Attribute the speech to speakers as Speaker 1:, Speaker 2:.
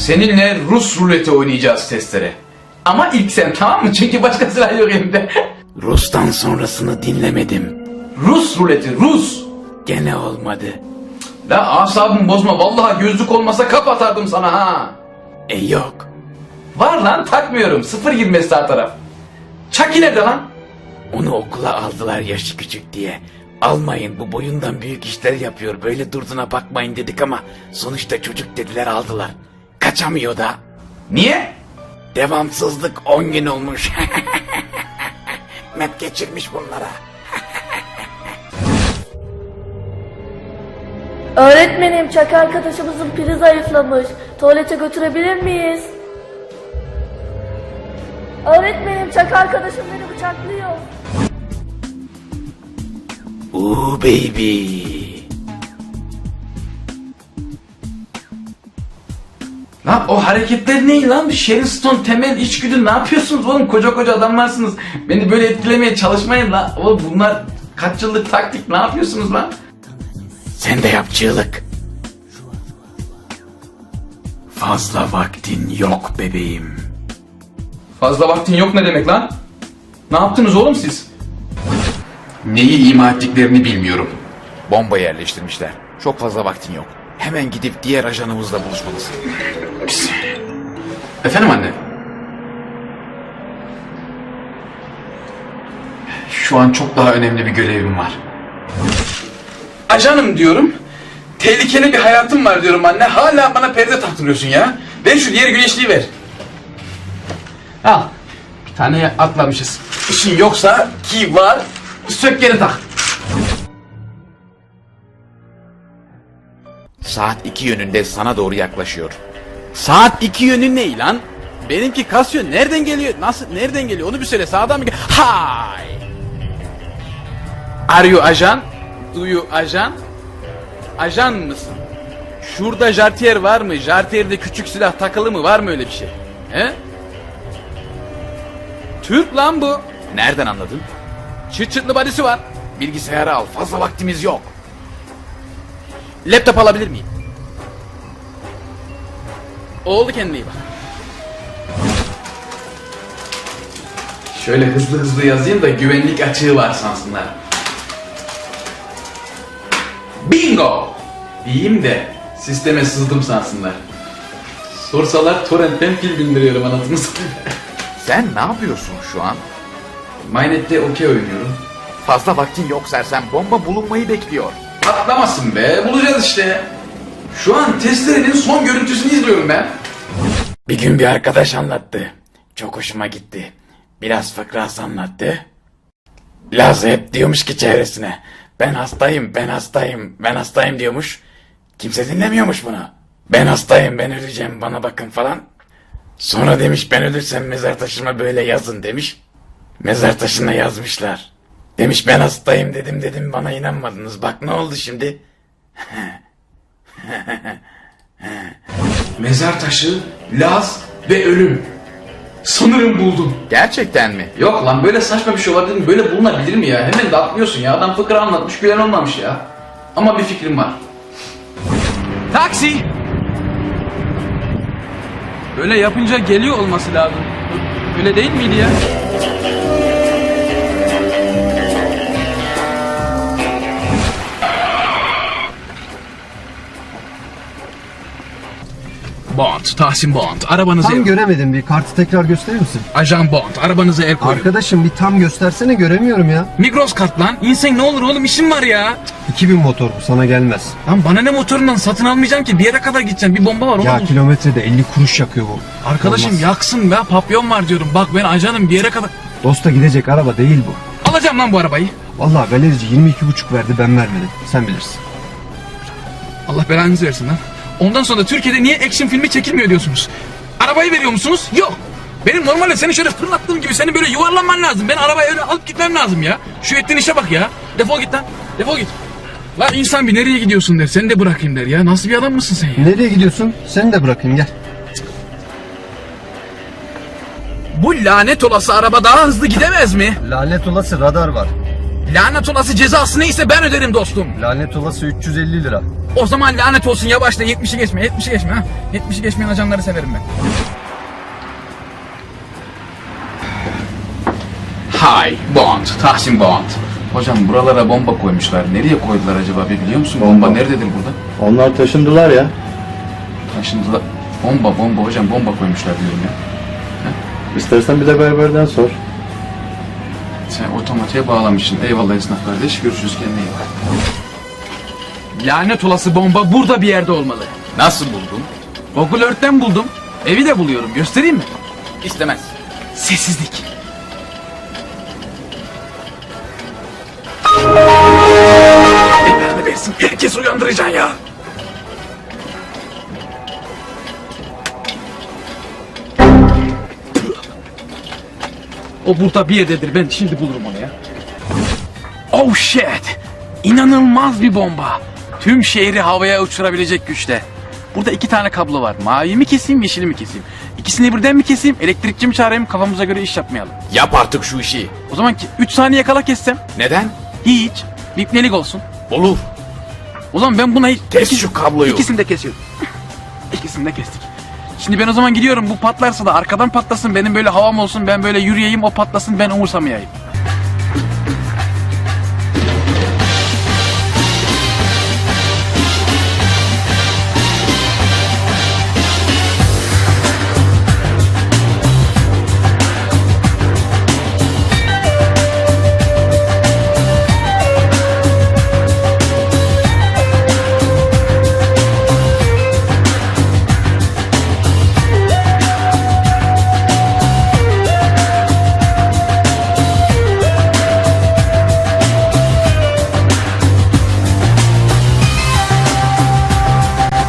Speaker 1: Seninle Rus ruleti oynayacağız testere. Ama ilk sen, tamam mı? Çünkü başka silah yok elimde.
Speaker 2: Rus'tan sonrasını dinlemedim.
Speaker 1: Rus ruleti, Rus.
Speaker 2: Gene olmadı.
Speaker 1: La asabımı bozma, vallahi gözlük olmasa kapatardım sana ha.
Speaker 2: Yok.
Speaker 1: Var lan, takmıyorum. 0.20 sağ taraf. Çaki nerede lan?
Speaker 2: Onu okula aldılar yaşı küçük diye. Almayın, bu boyundan büyük işler yapıyor, böyle durduğuna bakmayın dedik ama sonuçta çocuk dediler, aldılar. Kaçamıyor da.
Speaker 1: Niye?
Speaker 2: Devamsızlık 10 gün olmuş. Mep geçirmiş bunlara.
Speaker 3: Öğretmenim, Çaki arkadaşımızın pili zayıflamış. Tuvalete götürebilir miyiz? Öğretmenim, Çaki arkadaşım beni bıçaklıyor.
Speaker 2: Ooh baby.
Speaker 1: Lan o hareketler ne lan? Sharon Stone, Temel, içgüdü, ne yapıyorsunuz oğlum? Koca koca adamlarsınız. Beni böyle etkilemeye çalışmayın lan. Oğlum bunlar kaç yıllık taktik, ne yapıyorsunuz lan?
Speaker 2: Sen de yap çığlık. Fazla vaktin yok bebeğim.
Speaker 1: Fazla vaktin yok ne demek lan? Ne yaptınız oğlum siz? Neyi ima ettiklerini bilmiyorum.
Speaker 2: Bomba yerleştirmişler. Çok fazla vaktin yok. Hemen gidip diğer ajanımızla buluşmalısın.
Speaker 1: Efendim anne? Şu an çok daha önemli bir görevim var. Ajanım diyorum. Tehlikeli bir hayatım var diyorum anne. Hala bana perde taktırıyorsun ya. Ver şu diğer güneşliği ver. Al. Bir tane atlamışız. İşin yoksa ki var. Sök geri tak.
Speaker 2: Saat 2 yönünde sana doğru yaklaşıyor. Saat 2 yönü ne lan? Benimki Casio nereden geliyor? Nasıl, nereden geliyor? Onu bir söyle, sağdan mı geliyor? Hay!
Speaker 1: Are you ajan? Do you ajan? Ajan mısın? Şurada jartiyer var mı? Jartiyerde küçük silah takılı mı? Var mı öyle bir şey? He? Türk lan bu.
Speaker 2: Nereden anladın?
Speaker 1: Çıt çıtlı badisi var.
Speaker 2: Bilgisayarı al, fazla vaktimiz yok.
Speaker 1: Laptop alabilir miyim? Oldu, kendine iyi bak. Şöyle hızlı hızlı yazayım da güvenlik açığı var sansınlar. Bingo! Diyeyim de sisteme sızdım sansınlar. Sorsalar torrentten film indiriyorum anasını satayım.
Speaker 2: Sen ne yapıyorsun şu an?
Speaker 1: Mynet'te okey oynuyorum.
Speaker 2: Fazla vaktin yok sersem, bomba bulunmayı bekliyor.
Speaker 1: Patlamasın be, bulacağız işte. Şu an testerenin son görüntüsünü izliyorum ben.
Speaker 2: Bir gün bir arkadaş anlattı. Çok hoşuma gitti. Biraz fıkrası anlattı. Laz hep diyormuş ki çevresine, ben hastayım, ben hastayım, ben hastayım diyormuş. Kimse dinlemiyormuş bunu. Ben hastayım, ben öleceğim, bana bakın falan. Sonra demiş, ben ölürsem mezar taşıma böyle yazın demiş. Mezar taşına yazmışlar. Demiş, ben hastayım dedim bana inanmadınız. Bak ne oldu şimdi?
Speaker 1: Mezar taşı, Laz ve ölüm. Sanırım buldum.
Speaker 2: Gerçekten mi?
Speaker 1: Yok lan, böyle saçma bir şey olabilir mi? Böyle bulunabilir mi ya? Hemen de atlıyorsun ya. Adam fıkra anlatmış, gülen olmamış ya. Ama bir fikrim var. Taksi! Böyle yapınca geliyor olması lazım. Öyle değil miydi ya? Bond, Tahsin Bond, arabanızı...
Speaker 4: Tam göremedim, bir kartı tekrar gösterir misin?
Speaker 1: Ajan Bond, arabanızı el koyun.
Speaker 4: Arkadaşım bir tam göstersene, göremiyorum ya.
Speaker 1: Migros kart lan. İnsan ne olur oğlum, işim var ya.
Speaker 4: 2000 motor bu, sana gelmez.
Speaker 1: Lan bana ne, motorundan satın almayacağım ki. Bir yere kadar gideceğim. Bir bomba var oğlum.
Speaker 4: Ya kilometrede 50 kuruş yakıyor bu.
Speaker 1: Arkadaşım
Speaker 4: Olmaz.
Speaker 1: yaksın be, papyon var diyorum. Bak ben ajanım, bir yere kadar.
Speaker 4: Dosta gidecek araba değil bu.
Speaker 1: Alacağım lan bu arabayı.
Speaker 4: Vallahi galerici 22,5 verdi, ben vermedim. Sen bilirsin.
Speaker 1: Allah belanızı versin lan. Ondan sonra Türkiye'de niye action filmi çekilmiyor diyorsunuz. Arabayı veriyor musunuz? Yok. Benim normalde seni şöyle fırlattığım gibi seni böyle yuvarlanman lazım. Ben arabayı öyle alıp gitmem lazım ya. Şu ettiğin işe bak ya. Defol git lan. Defol git. Lan insan bir nereye gidiyorsun der. Seni de bırakayım der ya. Nasıl bir adam mısın sen ya?
Speaker 4: Nereye gidiyorsun? Seni de bırakayım, gel.
Speaker 1: Bu lanet olası araba daha hızlı gidemez mi?
Speaker 4: Lanet olası radar var.
Speaker 1: Lanet olası cezası neyse ben öderim dostum.
Speaker 4: Lanet olası 350 lira.
Speaker 1: O zaman lanet olsun yavaşla 70'i geçme 70'i geçme ha. 70'i geçmeyen ajanları severim ben. Hi Bond, Tahsin Bond. Hocam buralara bomba koymuşlar. Nereye koydular acaba biliyor musun? Bomba nerededir burada?
Speaker 5: Onlar taşındılar ya.
Speaker 1: Taşındılar. Bomba hocam bomba koymuşlar diyorum ya.
Speaker 5: İstersen bir de berberden sor.
Speaker 1: Sen otomatiğe bağlamışsın. Eyvallah esnaf kardeş. Görüşürüz kendine iyi bak. Lanet olası bomba burada bir yerde olmalı.
Speaker 2: Nasıl buldun?
Speaker 1: Google Earth'ten buldum. Evi de buluyorum. Göstereyim mi?
Speaker 2: İstemez.
Speaker 1: Sessizlik. Belanı versin. Herkes uyandıracaksın ya. O burada bir yerdedir. Ben şimdi bulurum onu ya. Oh shit. İnanılmaz bir bomba. Tüm şehri havaya uçurabilecek güçte. Burada 2 tane kablo var. Mavi mi keseyim, yeşili mi keseyim? İkisini birden mi keseyim, elektrikçi mi çağırayım, kafamıza göre iş yapmayalım.
Speaker 2: Yap artık şu işi.
Speaker 1: O zaman 3 saniye kala kessem.
Speaker 2: Neden?
Speaker 1: Hiç. Bipnelik olsun.
Speaker 2: Olur.
Speaker 1: O zaman ben buna hiç...
Speaker 2: Kes şu kabloyu.
Speaker 1: İkisini de kesiyorum. İkisini de kestik. Şimdi ben o zaman gidiyorum, bu patlarsa da arkadan patlasın, benim böyle havam olsun, ben böyle yürüyeyim, o patlasın, ben umursamayayım.